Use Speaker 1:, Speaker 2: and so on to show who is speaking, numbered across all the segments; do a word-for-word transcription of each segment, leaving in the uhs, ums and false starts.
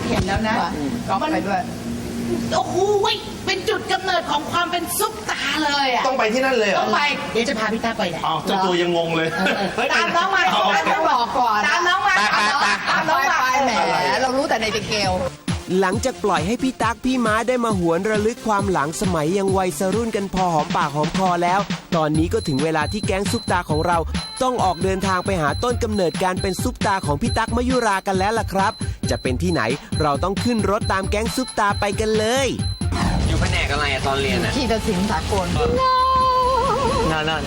Speaker 1: เห็นแล้วนะก็ไปด้วยโอ้โหเป็นจุดกำเนิดของความเป็นซุปตาเลยอ่ะ
Speaker 2: ต้องไปที่นั่นเลยเหรอ
Speaker 1: ต้องไปเดี๋ยวจะพาพี่ตาไปเนี่ย
Speaker 2: อ๋อเจ้าตัวยังงงเลย
Speaker 1: ตามน้องมาต้องบอกก่อนตามน้องมาตามน้องมาแหมเรารู้แต่ในเกล
Speaker 3: หลังจากปล่อยให้พี่ตั๊กพี่ม้าได้มาหวนระลึกความหลังสมัยยังวัยรุ่นกันพอหอมปากหอมคอแล้วตอนนี้ก็ถึงเวลาที่แก๊งซุปตาของเราต้องออกเดินทางไปหาต้นกำเนิดการเป็นซุปตาของพี่ตั๊กมยุรากันแล้วล่ะครับจะเป็นที่ไหนเราต้องขึ้นรถตามแก๊งซุปตาไปกันเลย
Speaker 4: อยู่แผนกอะไรอะตอนเรียนอะ
Speaker 1: ที่ตัดสินสากล
Speaker 4: นั่นนั่น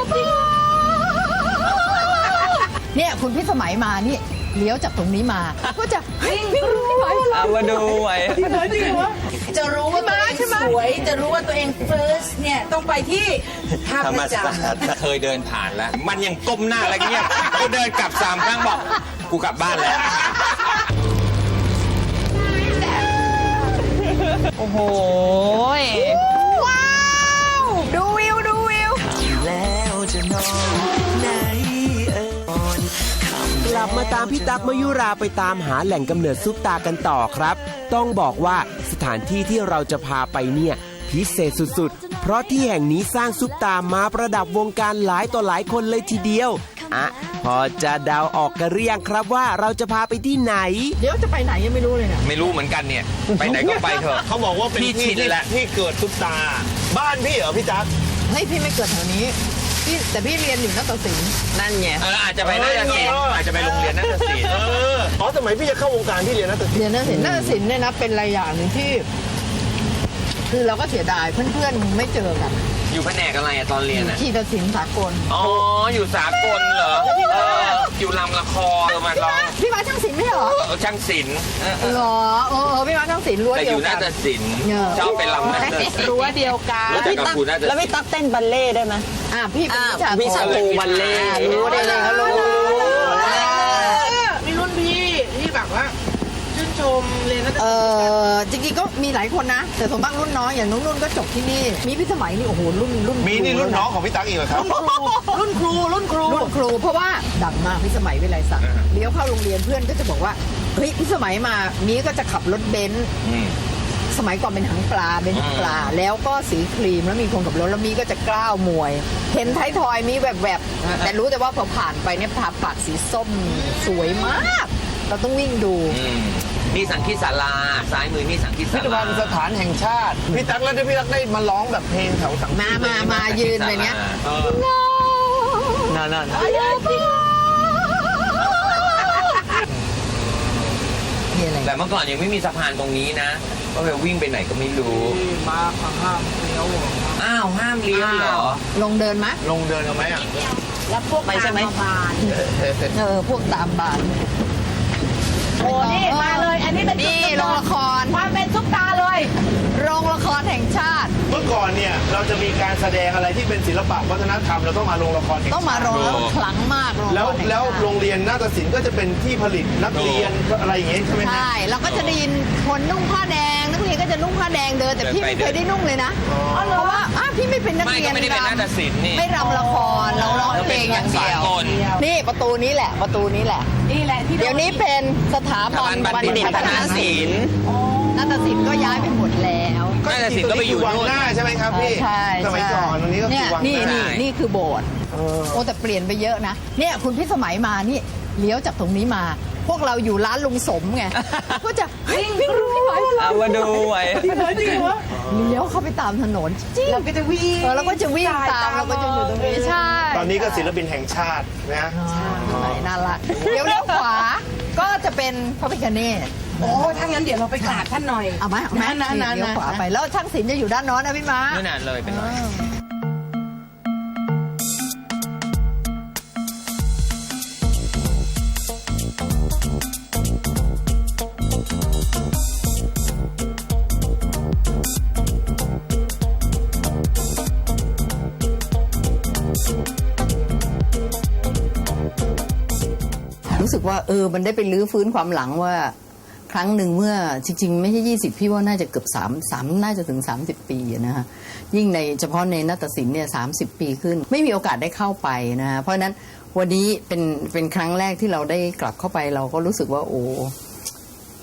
Speaker 1: เนี่ยคุณพี่สมัยมานี่เลี้ยวจากตรงนี้มาก็จะวิ่งวิ่งไม่ไหว
Speaker 4: เอามาดูไหว
Speaker 1: จริงเหรอจริงเหรอจะรู้ว่าตัวเองสวยจะรู้ว่าตัวเอง first เนี่ยต้องไปที่ท่าพระจันทร์
Speaker 4: เคยเดินผ่านแล้วมันยังก้มหน้าอะไรเงี้ยกูเดินกลับสามครั้งบอกกูกลับบ้านแล้ว
Speaker 1: โอ้โหว้าวดูวิวดูวิวแล้วจะนอนไหน
Speaker 3: กลับมาตามพี่ตั๊กมยุราไปตามหาแหล่งกำเนิดซุปตากันต่อครับต้องบอกว่าสถานที่ที่เราจะพาไปเนี่ยพิเศษสุดๆเพราะที่แห่งนี้สร้างซุปตามาประดับวงการหลายต่อหลายคนเลยทีเดียวอ่ะพอจะเดาออกกันหรือยังครับว่าเราจะพาไปที่ไหน
Speaker 1: เดี๋ยวจะไปไหนยังไม่รู้เลยเนี่ย
Speaker 4: ไม่รู้เหมือนกันเนี่ยไปไหนก็ไปเถอะ
Speaker 2: เขาบอกว่าเป็นที่ที่ที่เกิดซุปตาบ้านพี่เหรอพี่ตั๊ก
Speaker 1: เฮ้ยพี่ไม่เกิดแถวนี้พี่แต่พี่เรียนอยู่นักศึกษา
Speaker 4: นั่นไงเอออาจจะไปนักศึกษาอาจจะไปโรงเรียนนักศึกษา
Speaker 2: เอออ๋อสมัยพี่จะเข้าวงการพี่เรียนนักศึกษา
Speaker 1: เรียนนักศึกษานักศึกษาเนี่ยนะเป็นอะไรอย่างหนึ่งที่คือเราก็เสียดายเพื่อนๆไม่เจอกัน
Speaker 4: อยู่แผนกอะไรอะตอนเรียนอะ
Speaker 1: ที่ตัดสินสากล
Speaker 4: อ๋ออยู่สากลเหรอเอออยู่ลำละครมาร้อง
Speaker 1: พี่มาช่างศิลป์ไม่เหรอ
Speaker 4: ช่างศิลป์
Speaker 1: เหรอเออพี่มาช่างศิลป์รั้วเดียวกัน
Speaker 4: แต่อยู่นาฏศิลป์ชอบเป็นลำนาฏศิลป์
Speaker 1: รั้วเดียวกัน
Speaker 4: แล้วพี่ตั๊ก
Speaker 5: แล้วพี่ตั๊กเต้นบัลเล่ได้ไหม
Speaker 1: อ่าพี่เป็น
Speaker 5: วิชาครูบัลเล่
Speaker 1: รู้ได้เลยเขารู้
Speaker 6: มีรุ่นพี่ที่แบบว่าชื่นชมเรียนนักศึกษา
Speaker 1: เออจริงๆก็มีหลายคนนะแต่ส่วนมากรุ่นน้องอย่างนุ่นๆก็จบที่นี่มีพี่สมัยนี่โอ้โหรุ่นรุ่น
Speaker 2: มีนี่รุ่นน้องของพี่ตั๊กอีกเหรอครับ
Speaker 1: รุ่นครูรุ่นครูรุ่นครูเพราะว่าดังมากพี่สมัยวิไลศักดิ์เลี้ยวเข้าโรงเรียนเพื่อนก็จะบอกว่าเฮ้ยพี่สมัยมานี้ก็จะขับรถเบนซ์สมัยก่อนเป็นหางปลาเป็นหางปลาแล้วก็สีครีมแล้วมีคนขับรถแล้วมีก็จะกล้าวมวยเห็นท้ายทอยมีแวบๆแต่รู้แต่ว่าพอผ่านไปเนี่ยทาปากสีส้มสวยมากเราต้องวิ่งดู
Speaker 4: นี่สังคีศาลาซ้ายมือนี่สังคีศาลา
Speaker 2: พิพิธภัณฑ์สถานแห่งชาติพี่ตั๊กแล้วที่พี่ตั๊กได้มาร้องแบบเพลงแถวสังคี
Speaker 1: มามามายืนเลยเนี้ย
Speaker 4: นั่นนั่นแต่เมื่อก่อนยังไม่มีสะพานตรงนี้นะก็เลยวิ่งไปไหนก็ไม่รู้
Speaker 6: มาห้ามเลี้ยว
Speaker 4: อ้าวห้ามเลี้ยวเหรอ
Speaker 1: ลงเดินไหม
Speaker 2: ลงเดินกันไหมอ่ะ
Speaker 1: แล้วพวกตามบานเออพวกตามบาน
Speaker 6: โอ้นี่มาเลยอันนี้เป็น
Speaker 1: นี่โรงละคร
Speaker 6: ความเป็นซุปตาเลย
Speaker 1: โรงละครแห่งชาติ
Speaker 2: เมื่อก่อนเนี่ยเราจะมีการแสดงอะไรที่เป็นศิลปะวัฒนธรรมเราต้องมาโรงละคร
Speaker 1: ต้องมาโรงละครครั้งมาก
Speaker 2: แล้วแล้วโรงเรียนนาฏศิลป์ก็จะเป็นที่ผลิตนักเรียนอะไรอย่างเงี้ยใช่ไหม
Speaker 1: ใช่เราก็จะได้ยินคนนุ่งผ้าแดงนักเรียนก็จะนุ่งผ้าแดงเดินแต่พี่ไม่เคยได้นุ่งเลยนะเพราะว่าพี่ไม่เป็นนักเรียน
Speaker 4: ไม่ได้เป็นนาฏศิลป์นี่
Speaker 1: ไม่รำละครเราร้องเพลงอย่างเดียวนี่ประตูนี้แหละประตูนี้แหละ
Speaker 6: นี่แหละที่
Speaker 1: เดี๋ยวนี้เป็นสถาบัน
Speaker 4: บัณฑิตพัฒนาศิลป์
Speaker 1: นาฏศิลป์ก็ย้ายไปหมดแล้ว
Speaker 4: นาฏศิลป์ก็ไปอยู่
Speaker 2: วังหน้าใช่ไหมครับพี่
Speaker 1: ใช่
Speaker 2: สมัยก่อนตรงนี้ก็คือวังหน้า
Speaker 1: นี่นี่นี่คือโบสถ์โอ้แต่เปลี่ยนไปเยอะนะเนี่ยคุณพี่สมัยมานี่เลี้ยวจากตรงนี้มาพวกเราอยู่ร้านลุงสมไงก็จะวิ่งวิ่งไม่ไหว
Speaker 4: เอามาดูไหว
Speaker 6: จริงเหรอจริงเหรอ
Speaker 1: เลี้ยวเข้าไปตามถนนจริง
Speaker 6: เราก็จะวิ่ง
Speaker 1: เราก็จะวิ่งตามเราก็จะอยู่ตรงนี้ใช่
Speaker 2: ตอนนี้ก็ศิลปินแห่งชาตินะ
Speaker 1: น่ารักเลี้ยวเลี้ยวขวาก็จะเป็นพระพิฆเนศ
Speaker 6: โอ้ถ้างั้นเดี๋ยวเราไปกราบท่านหน่อย
Speaker 1: เอาไหมเอาไหม
Speaker 6: นั่นนั่น
Speaker 1: เลี้ยวขวาไปแล้วช่างศิลป์จะอยู่ด้านโน้นนะพี่ม้า
Speaker 4: ไม่นานเลยเป็นไร
Speaker 1: รู้สึกว่าเออมันได้ไปลื้อฟื้นความหลังว่าครั้งหนึ่งเมื่อจริงๆไม่ใช่ยี่สิบพี่ว่าน่าจะเกือบสาม สามน่าจะถึงสามสิบปีนะฮะยิ่งในเฉพาะในนาฏศิลป์เนี่ยสามสิบปีขึ้นไม่มีโอกาสได้เข้าไปนะฮะเพราะฉะนั้นวันนี้เป็นเป็นครั้งแรกที่เราได้กลับเข้าไปเราก็รู้สึกว่าโอ้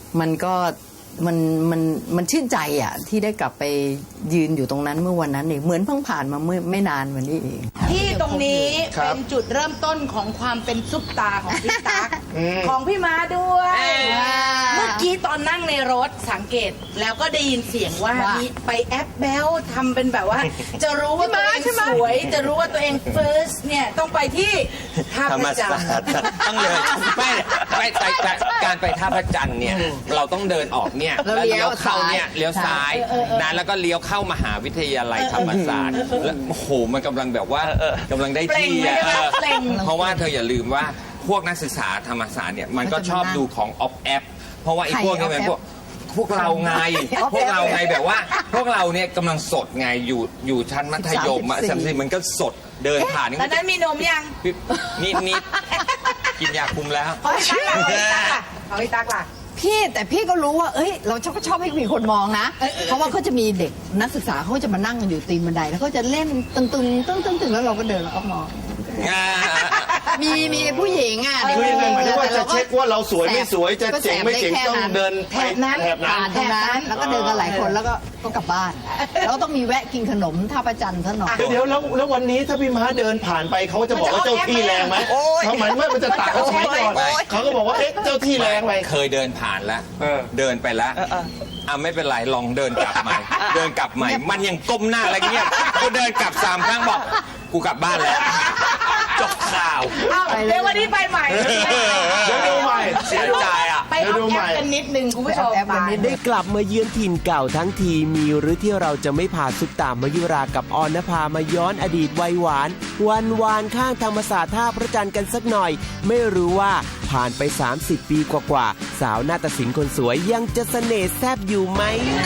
Speaker 1: มันก็มันมันมันชื่นใจอ่ะที่ได้กลับไปยืนอยู่ตรงนั้นเมื่อวันนั้นเองเหมือนเพิ่งผ่านมาเมื่อไม่นานวันนี้เอง
Speaker 6: ที่ตรงนี้
Speaker 2: ครับ
Speaker 6: เป็นจุดเริ่มต้นของความเป็นซุปตาของพี่ตั๊กของพี่ม้าด้วย เมื่อกี้ตอนนั่งในรถสังเกตแล้วก็ได้ยินเสียงว่า
Speaker 1: ว่ามี
Speaker 6: มีไปแอปแบลทำเป็นแบบว่า จะรู้ว่าตัวเองสวย จะรู้ว่าตัวเอง first เนี่ยต้องไปที่ท่า
Speaker 4: ธร
Speaker 6: พ
Speaker 4: รม
Speaker 6: ระจัน
Speaker 4: ศา
Speaker 6: ท
Speaker 4: สต
Speaker 6: ร์
Speaker 4: ร์ต้องเดินไม่ไม่ไปไปการไปท่าพระจันทร์เนี่ยเราต้องเดินออกเนี่ย
Speaker 1: แล้ว
Speaker 4: แล้ว
Speaker 1: เลี้
Speaker 4: เลี้
Speaker 1: ย
Speaker 4: ยว วเข้าเนี่ย
Speaker 1: ซ้าย
Speaker 4: เลี้ยวซ้ายนะแล้วก็เลี้ยวเข้ามหาวิทยาลัยธรรมศาสตร์แล้วโอ้โหมันกำลังแบบว่ากำลังได้ที่
Speaker 6: เปล่ง
Speaker 4: อะ
Speaker 6: ไม่ได้
Speaker 4: เออ
Speaker 6: เปล่ง
Speaker 4: เพราะว่าเธออย่าลืมว่าพวกนักศึกษาธรรมศาสตร์เนี่ยมันก็ชอบดูของออฟแอปเพราะว่าไอ้พวกนี้มันพวกพวกเราไง พวกเราไงแบบว่า พวกเราเนี่ยกำลังสดไงอยู่อยู่ชั้นมัธยมอะ
Speaker 1: สิบสาม
Speaker 4: สามสิบมันก็สดเดินผ่านนี่
Speaker 6: ตอนนั้นมีนมยัง
Speaker 4: นิดนิดกินยาคุมแล้ว
Speaker 6: เอาพี่ตั๊กล่ะเอาพี่ตั๊กล่ะ
Speaker 1: พี่แต่พี่ก็รู้ว่า เอ้ย เราชอบชอบให้มีคนมองนะ เพราะว่าเขาจะมีเด็กนักศึกษาเขาจะมานั่งกันอยู่ตีนบันไดแล้วเขาจะเล่นตึงตึงตึงตึงตึงแล้วเราก็เดินแล้วก็มอง มีมีผู้หญิงอ่ะ
Speaker 2: คือยังไงหมายถึงว่าจะเช็คว่าเราสวยไม่สวยจะ
Speaker 1: ก็แส
Speaker 2: เจ๋ง
Speaker 1: บ
Speaker 2: ไม่เจ๋ง
Speaker 1: ได้แค่
Speaker 2: ต้องเดิน
Speaker 6: แถบนั้น
Speaker 2: แถบนั้น
Speaker 1: ผ่านตรงนั้นแล้วก็เดินกันหลายคนแล้วก็ก็กลับบ้าน แล้วก็ต้องมีแวะกินขนมท่าประจันทร์ซะหน่อย
Speaker 2: เดี๋ยวแล้วแล้ววันนี้ถ้าพี่ม้าเดินผ่านไปเขาจะบอกว่าเจ้าที่แรงไหมเขาหมายว่ามันจะตัดเขาสมัยก่อน
Speaker 4: โอ๊ย
Speaker 2: เขาก็บอกว่าเอ๊ะเจ้าที่แรงไป
Speaker 4: เคยเดินผ่านแล้ว
Speaker 2: เออ
Speaker 4: เดินไปแล้วอ่ะไม่เป็นไรลองเดินกลับใหม่ เดินกลับใหม่ มันยังก้มหน้าอะไรเงี้ยกูเดินกลับสามครั้งบอก กูกลับบ้านแล้ว จบข่าว
Speaker 6: เอาเดี๋ยววันนี้ไปใหม่
Speaker 2: เดี๋ยวดูใหม่
Speaker 4: เสียใจอ่ะ
Speaker 6: ไปเอาแอปกันนิดนึงคุณผู้ชม
Speaker 1: แอปกันนิดนึง
Speaker 3: ได้กลับมาเยือนถิ่นเก่าทั้งทีมีหรือที่เราจะไม่พาซุปตามายุรากับออนนภามาย้อนอดีตวัยหวาน วันวานข้างธรรมศาสตร์ท่าพระจันทร์กันสักหน่อย ไม่รู้ว่าผ่านไป สามสิบ ปีกว่าๆสาวนาฏศิลป์คนสวยยังจะเสน่ห์แซบอยู่ไหม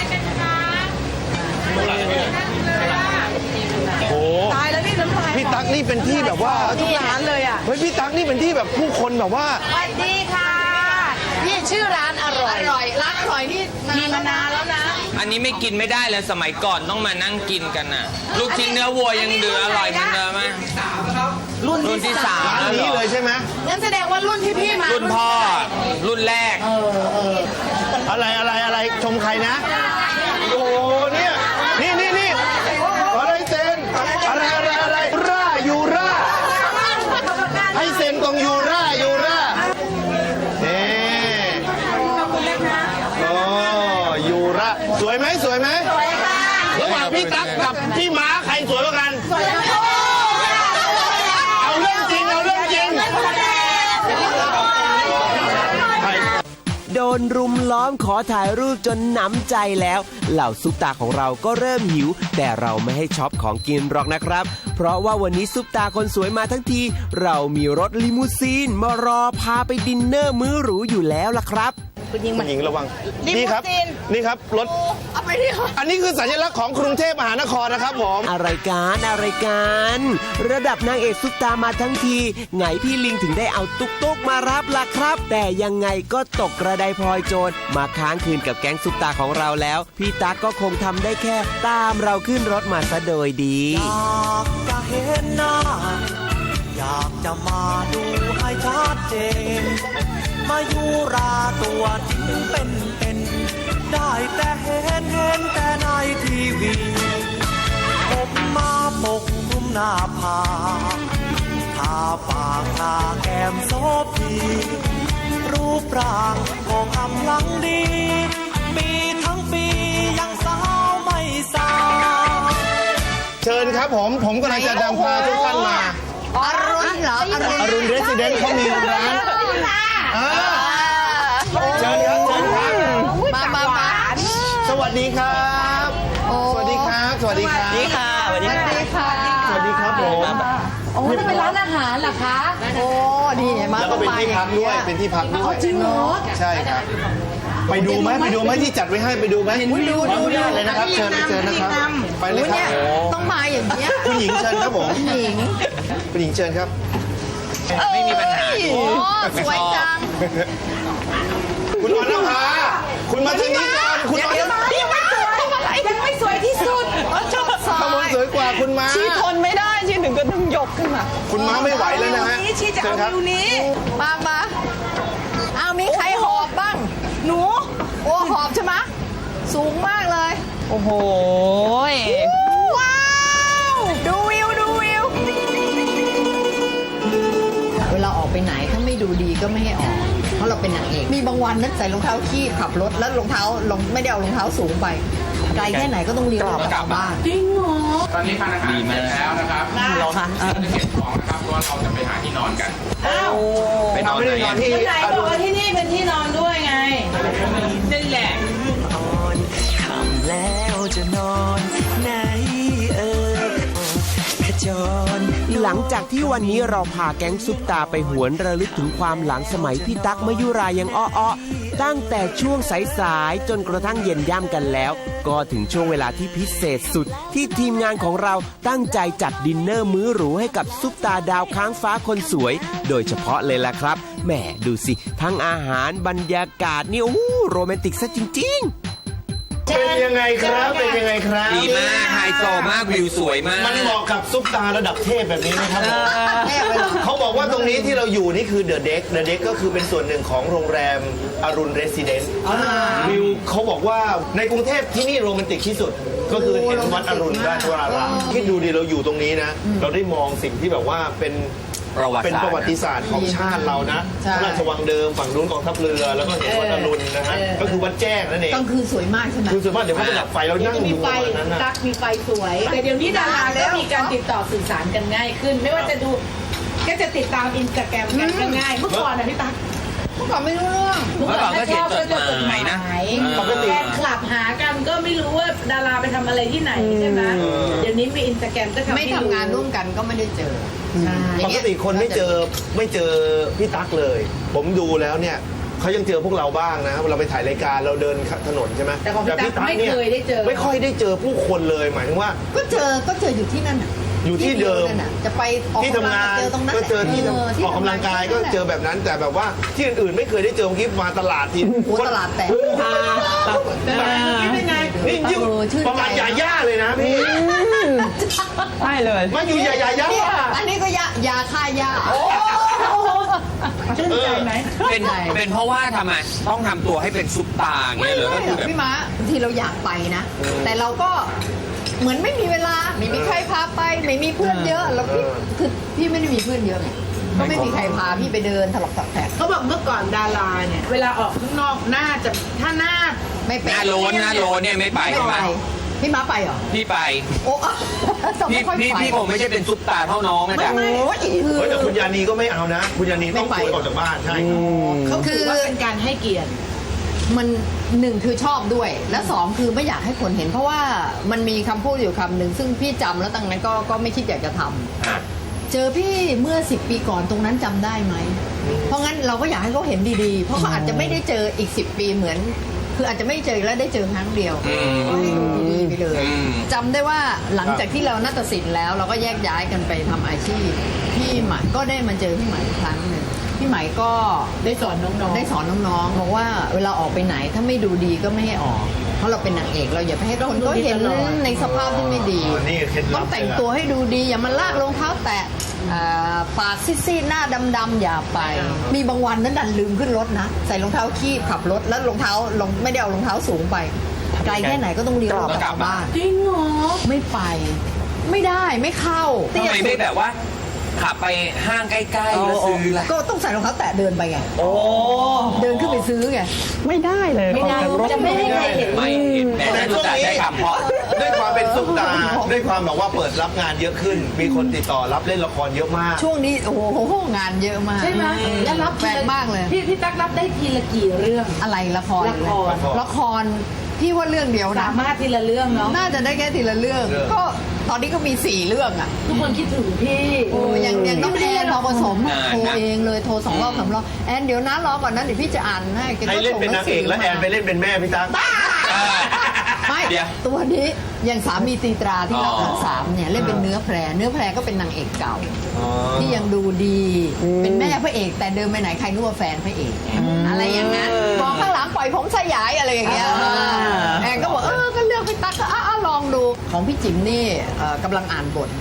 Speaker 2: โอ้
Speaker 6: ตายแล้วนี่น้ำลาย
Speaker 2: พี่ตั๊กนี่เป็นที่แบบว่า
Speaker 6: ทุกร้านเลยอ่ะ
Speaker 2: เฮ้ยพี่ตั๊กนี่เป็นที่แบบผู้คนแบบว่า
Speaker 6: สวัสดีค่ะ นี่ชื่อร้านอร่อย
Speaker 1: อร่อยร้านอร่อยนี่
Speaker 6: มีมานานแล้วนะ
Speaker 4: อันนี้ไม่กินไม่ได้เลยสมัยก่อนต้องมานั่งกินกันน่ะ ลูกชิ้นเนื้อวัวยังเดืออร่อยเหมือนเดิมไหมรุ่นที่สาม
Speaker 2: ร้านนี้เลยใช่ไหม
Speaker 6: งั้นแสดงว่ารุ่นที่พี่มา
Speaker 4: รุ่นพ่อ รุ่นแรก
Speaker 2: อะไรอะไรอะไรชมใครนะ โอ้โหเนี่ยนี่นี่นี่อะไรเซนอะไรอะไรอะไรร่ายูร่าให้เซนตรงยูร่ายูร่านี่โอ้ยูร่าสวยไหมสวยไหมสวยค่ะระหว่างพี่ตั๊กกับพี่ม้าใครสวยกว่ากันสวยทั้งคู่เอาเรื่องจริงเอาเรื่องจริง
Speaker 3: โดนรุมล้อมขอถ่ายรูปจนหนำใจแล้ว เหล่าซุปตาของเราก็เริ่มหิว แต่เราไม่ให้ช็อปของกินหรอกนะครับ เพราะว่าวันนี้ซุปตาคนสวยมาทั้งที เรามีรถลิมูซีนมารอพาไปดินเนอร์มื้อหรูอยู่แล้วล่ะครับ
Speaker 6: คุณยิง
Speaker 2: คุ
Speaker 6: มั
Speaker 2: ณ
Speaker 6: น
Speaker 2: หญิงระวัง
Speaker 6: ลิมู
Speaker 2: นี่ครับ
Speaker 6: ซีน
Speaker 2: นี่ครับรถ
Speaker 1: เอาไปที่
Speaker 2: อันนี้คือสัญลักษณ์ของกรุงเทพมหานครนะครับผม
Speaker 3: อะไรกันอะไรกันระดับนางเอกซุปตามาทั้งทีไงพี่ลิงถึงได้เอาตุ๊กตุ๊กมารับล่ะครับ แต่ยังไงก็ตกกระไดพลอยโจรมาค้างคืนกับแก๊งซุปตาของเราแล้ว พี่ตั๊กก็คงทำได้แค่ตามเราขึ้นรถมาซะโดยดี
Speaker 7: อยากจะเห็นหน้า อยากจะมาดูให้ชัดเจน มายูราตัวจริงเป็นเป็น ได้แต่เห็นเห็นแต่ในทีวี ผมมาปกคลุมหน้าผากทาปากทาแก้มโซพีรูปร่างก็กำลังดี ปีทั้งปียังสาวไม่สาว
Speaker 2: เชิญครับผม ผมกำลังจะนำพาทุกท่านมา
Speaker 1: อรุณเหรออรุณ
Speaker 2: อรุณเรสซิเดนต์เขามีร้านอ่าเชิญครับเชิญครับ
Speaker 1: มามามา
Speaker 2: สวัสดีครับ
Speaker 1: โอ้
Speaker 2: สวัสดีครับ สวัสดีครับ
Speaker 5: นี่ค่ะสวัสดีค่ะ
Speaker 1: ค่ะ
Speaker 2: สวัสดีครับผม
Speaker 6: โอ้จะเป็นร้านอาหารเหรอคะ
Speaker 1: โอ้ดีเนี่ยมา
Speaker 2: แล้วก็เป็นที่พักด้วย เป็นที่พักด้วย
Speaker 6: จริงเหรอ
Speaker 2: ใช่ครับ ไปดูไหมไปดูไหมที่จัดไว้ให้ไปดูไหม
Speaker 1: ดูดู
Speaker 2: ขออนุ
Speaker 1: ดู
Speaker 2: ญาตเลยนะครับ เชิญเชิญนะครับ ไปเลยครับ
Speaker 1: ต้องมาอย่างเงี้ย
Speaker 2: คุณหญิงเชิญครับผม
Speaker 1: หญิง
Speaker 2: คุณหญิงเชิญครับ
Speaker 4: ไม่มีปัญหา
Speaker 1: โอ้สวยจัง
Speaker 2: คุณออนนภาคุณมาทางนี้ก่อนคุณออนนภา
Speaker 6: ยังไม่สวยยังไม่สวยที่สุด
Speaker 1: ชอบซอ
Speaker 2: ข้างบน
Speaker 1: ย
Speaker 2: สวยกว่าคุณม้า
Speaker 5: ชีทนไม่ได้ชีถึงก็ต้องยกขึ้นมา
Speaker 2: คุณม้าไม่ไหวแล้วนะฮะ
Speaker 6: นี้ชีจะเอา
Speaker 2: เชิญครับ
Speaker 6: วิวนี้
Speaker 1: มามาเอามีใครหอบบ้าง
Speaker 6: หนู
Speaker 1: ใช่ไหมสูงมากเลย
Speaker 5: โอ้โห
Speaker 1: ว้าวดูวิวดูวิวเวลาออกไปไหนถ้าไม่ดูดีก็ไม่ให้ออก เพราะเราเป็นนางเอกมีบางวันนั้นใส่รองเท้าขี้ขับรถแล้วรองเท้าลงไม่ได้เอารองเท้าสูงไปไกลแค่ไหนก็ต้องเลี้ยวกลับบ้าน
Speaker 6: จริงเหรอ
Speaker 8: ตอนนี้ทานอาหารเสร็จแล้วนะครับ
Speaker 5: เหรอคะ
Speaker 8: เราจะเก็บของนะครับเพราะว่าเราจะไปหาที่นอนกัน
Speaker 6: อ้าว
Speaker 4: ไปนอนไหนอะ
Speaker 6: ที่ไหนบอกว่าที่นี่เป็นที่นอนด้วยไงนั่นแหละ
Speaker 7: คำแล้วจะนอนไหนเอ่ยขจร
Speaker 3: หลังจากที่วันนี้เราพาแก๊งซุปตาไปหวนระลึกถึงความหลังสมัยพี่ตั๊กมยุรายังอ้อๆตั้งแต่ช่วงสายๆจนกระทั่งเย็นย่ำกันแล้ว ก็ถึงช่วงเวลาที่พิเศษสุด ที่ทีมงานของเราตั้งใจจัดดินเนอร์มื้อหรูให้กับซุปตาดาวค้างฟ้าคนสวย โดยเฉพาะเลยล่ะครับแหมดูสิ ทั้งอาหารบรรยากาศนี่โอ้โหโรแมนติกซะจริงๆ
Speaker 2: เป็นยังไงครับ เป็นยังไงครับ
Speaker 4: ดีมากไฮโซมากวิวสวยมาก
Speaker 2: มันเหมาะกับซุปตาระดับเทพแบบนี้ไหมครับผม
Speaker 1: แม่ไปหรอ
Speaker 2: เขาบอกว่าตรงนี้ที่เราอยู่นี่คือเดอะเด็กเดอะเด็กก็คือเป็นส่วนหนึ่งของโรงแรมอรุณเรสซิเดนซ์วิวเขาบอกว่าในกรุงเทพที่นี่โรแมนติกที่สุด ก็คือเห็นวัดอรุณราชวรารามคิดดูดิเราอยู่ตรงนี้นะ เราได้มองสิ่งที่แบบว่าเป็น
Speaker 4: ประวัติศาสตร์
Speaker 2: เป็นประวัติศาสตร์ของชาติเรานะ
Speaker 1: ใช่
Speaker 2: พระราชวังเดิมฝั่งนู้นกองทัพเรือ แล้วก็เห็นวัดอรุณนะฮะก็คือวัดแจ้งนั่นเอง
Speaker 1: กลางคืนสวยมากใช่ไหม
Speaker 2: คือส่วนมากเดี๋ยวเขาจะดับไฟแล้วนั่ง
Speaker 6: จะมี
Speaker 2: ดู
Speaker 6: ไฟ
Speaker 2: อันนั้นนะ
Speaker 6: ตักมีไฟสวย แต่เดี๋ยวนี้ดาราก็มีการติดต่อสื่อสารกันง่ายขึ้น ไม่ว่าจะดูก็จะติดตามอินสตาแกรมกันก็ง่ายเมื่อก่อนนะพี่ตั๊ก
Speaker 1: เมื่อก่อนไม่รู้เรื่อง
Speaker 4: เมื่อก่อนก็เขียนจดหมายนะ
Speaker 2: ปกติ
Speaker 6: แฟนคลับหากันก็ไม่รู้ว่าดาราไปทำอะไรที่ไหนใช่ไหมเดี๋ยวนี้มีอินสตาแกรมก็ทำ
Speaker 1: ไม่
Speaker 6: ให้
Speaker 1: ทำงานร่วมกันก็ไม่ได้เจอใช่
Speaker 2: ปกติคนไม่เจอไม่เจอพี่ตั๊กเลย ผมดูแล้วเนี่ยเขายังเจอพวกเราบ้างนะเราไปถ่ายรายการเราเดินถนนใช่ไหม
Speaker 6: แต่ของพี่ตั๊กไม่
Speaker 2: นี่
Speaker 6: เคยได้เจอ
Speaker 2: ไม่ค่อยได้เจอผู้คนเลยหมายถึงว่า
Speaker 1: ก็เจอก็เจออยู่ที่นั่นน่ะ
Speaker 2: อยู่ที่เดิม
Speaker 1: นั่นน่ะจะไปออก
Speaker 2: ที่ทำงาน
Speaker 1: เจอตรงนั้น
Speaker 2: ก็เจอที่
Speaker 1: แหละ
Speaker 2: ออกกำลังกายก็เจอแบบนั้น แต่แบบว่าที่อื่นๆไม่เคยได้เจอเมื่อกี้มาตลาดที
Speaker 1: โอ้ตลาดแตก
Speaker 6: เป็นไง
Speaker 2: นี่ยิ่ง
Speaker 1: เออชื่นใจ
Speaker 2: ประมาณยาย่าเลยนะพี่
Speaker 5: ใช่เลย
Speaker 2: มาอยู่ยายาย่า
Speaker 1: นี่อันนี้ก็ยายาฆ่าหญ้า
Speaker 6: ชื่นใจไหม
Speaker 4: เป็นเป็นเพราะว่าทำไมต้องทำตัวให้เป็นซุปตาอย่าง
Speaker 1: ไม่
Speaker 4: เงี้ยเหรอ
Speaker 1: ไม่
Speaker 4: ก็คือแบบ
Speaker 1: พี่ม้าบางทีเราอยากไปนะ แต่เราก็เหมือนไม่มีเวลาไม่มีใครพาไปไม่มีเพื่อนเยอะแล้วพี่คือพี่ไม่ได้มีเพื่อนเยอะไงก็ไม่มีใครพาพี่ไปเดินถลอกตักแตก
Speaker 6: เขาบอกเมื่อก่อนดาราเนี่ยเวลาออกข้างนอกหน้าจะถ้าหน้า
Speaker 1: ไม่
Speaker 4: ห
Speaker 1: เป็น
Speaker 4: น้าโลนหน้าโลนเนี่ยไม่ไป
Speaker 1: ไม่
Speaker 4: ใช่ไห
Speaker 1: ไป
Speaker 4: ม
Speaker 1: พี่ม้าไปเหรอ
Speaker 4: พี่ไป
Speaker 1: โอ้ต้อง
Speaker 4: พี่
Speaker 1: ไม่ค่อย
Speaker 4: พี่
Speaker 1: ไป
Speaker 4: พี่ผมไม่ใช่เป็นซุปตาเท่าน้องนะ
Speaker 1: ไม่
Speaker 4: จ๊ะ
Speaker 1: ไม่
Speaker 2: เฮ้ยแต่คุณยานีก็ไม่เอานะ คุณยานีต้อง
Speaker 1: ไม่ไป
Speaker 2: ป่วยออกจากบ้านใช่ครับ
Speaker 6: เขาถือว่าเป็นการให้เกียรติ
Speaker 1: มันหนึ่งคือชอบด้วย และสองคือไม่อยากให้คนเห็น เพราะว่ามันมีคำพูดอยู่คำหนึ่งซึ่งพี่จำแล้วตั้งนั้นก็ก็ไม่คิดอยากจะทำ
Speaker 4: อ่ะ
Speaker 1: เจอพี่เมื่อสิบปีก่อนตรงนั้นจำได้ไหม เพราะงั้นเราก็อยากให้เขาเห็นดีๆ เพราะเขาอาจจะไม่ได้เจออีกสิบปีเหมือน คืออาจจะไม่เจอแล้วได้เจอครั้งเดียว
Speaker 4: อืม
Speaker 1: ก็ให้ดูดีๆไปเลย
Speaker 4: อืม
Speaker 1: จำได้ว่าหลังจากที่เรานาฏศิลป์แล้ว เราก็แยกย้ายกันไปทำอาชีพพี่ใหม่ก็ได้มาเจอพี่ใหม่อีกครั้งหนึ่งพี่ใหม่ก็
Speaker 6: ได้สอนน้องๆ
Speaker 1: ได้สอนน้องๆบอกว่าเวลาออกไปไหนถ้าไม่ดูดีก็ไม่ให้ออก เพราะเราเป็นนางเอกเราอย่าไปให้คนเขาเห็นในสภาพที่ไม่ดี
Speaker 2: อ๋อนี่เคล็ดลับ
Speaker 1: ต้องแต่งตัวให้ดูดีอย่ามาลากรองเท้าแตะอ่าปากซีดๆหน้าดำๆอย่าไป มีบางวันนั้นดันลืมขึ้นรถนะ ใส่รองเท้าคีบขับรถแล้วรองเท้าลงไม่ได้เอารองเท้าสูงไป ไกลแค่ไหนก็ต้องเลี้ยวกลับบ้าน
Speaker 6: จริงเหรอ
Speaker 1: ไม่ไป ไม่ได้ไม่เข้า
Speaker 4: ทำไมไม่แบบว่าขับไปห้างใกล้ๆแล้วซื้อล่ะ
Speaker 1: ก็ต้องใส่รองเท้าแตะเดินไปไง
Speaker 4: โอ้
Speaker 1: เดินขึ้นไปซื้อไง
Speaker 5: ไม่ได้เลย
Speaker 6: ไม่ได้
Speaker 5: ออกจากรถ
Speaker 6: จะไม่ให้ใครเห็น
Speaker 4: ไม่เห็นแม้แต่รู้จักใช้คำเพราะ
Speaker 2: ด้วยความเป็นซุปตาร์ด้วยความแบบว่าเปิดรับงานเยอะขึ้น มีคนติดต่อรับเล่นละครเยอะมาก
Speaker 1: ช่วงนี้โอ้โหงานเยอะมาก
Speaker 6: ใช่ไหมแล้วรับ
Speaker 1: แปลกมากเลย
Speaker 6: พี่พี่ตั๊กรับได้ทีละกี่เรื่อง
Speaker 1: อะไรละคร
Speaker 6: ละคร
Speaker 1: ละครพี่ว่าเรื่องเดียวนะ
Speaker 6: สามารถทีละเรื่องเนาะ
Speaker 1: น่าจะได้แค่ทีละเรื่อง
Speaker 2: เรื่อง
Speaker 1: ก็ตอนนี้ก็มีสี่เรื่องอ่ะ
Speaker 6: ทุกคนคิดถึงพี่
Speaker 1: โอ้ยังยังต้องแอนพอผสม
Speaker 4: นานนะ
Speaker 1: โทรเองเลยโทรสองรอบสามรอบแอนเดี๋ยวนะรอก่อนนะเดี๋ยวพี่จะอ่านให้แก
Speaker 2: ให้
Speaker 1: ก็
Speaker 2: เล่น
Speaker 1: ส่
Speaker 2: เป็นนางเอกแล้วแอนไปเล่นเป็นแม่พี่ตั๊ก
Speaker 1: ไม่
Speaker 4: เดี๋ยว
Speaker 1: ตัวนี้อย่างสามีตีตราที่เรา
Speaker 4: อ๋อ
Speaker 1: ทั้งสามเนี่ยเล่นเป็นเนื้อแพรเนื้อแพรก็เป็นนางเอกเก่า ที่ยังดูดี เป็นแม่พระเอก แต่เดินไปไหนใครนึกว่าแฟนพระเอก อะไรอย่างนั้นมองข้างหลังปล่อยผมสยายอะไรอย่างเงี้ย
Speaker 5: อ่า
Speaker 1: แอนก็บอกเออก็เลือกพี่ตั๊กก็อ่ะอ่ะลองดูของพี่จิ๋มนี่เอ่อกำลังอ่านบท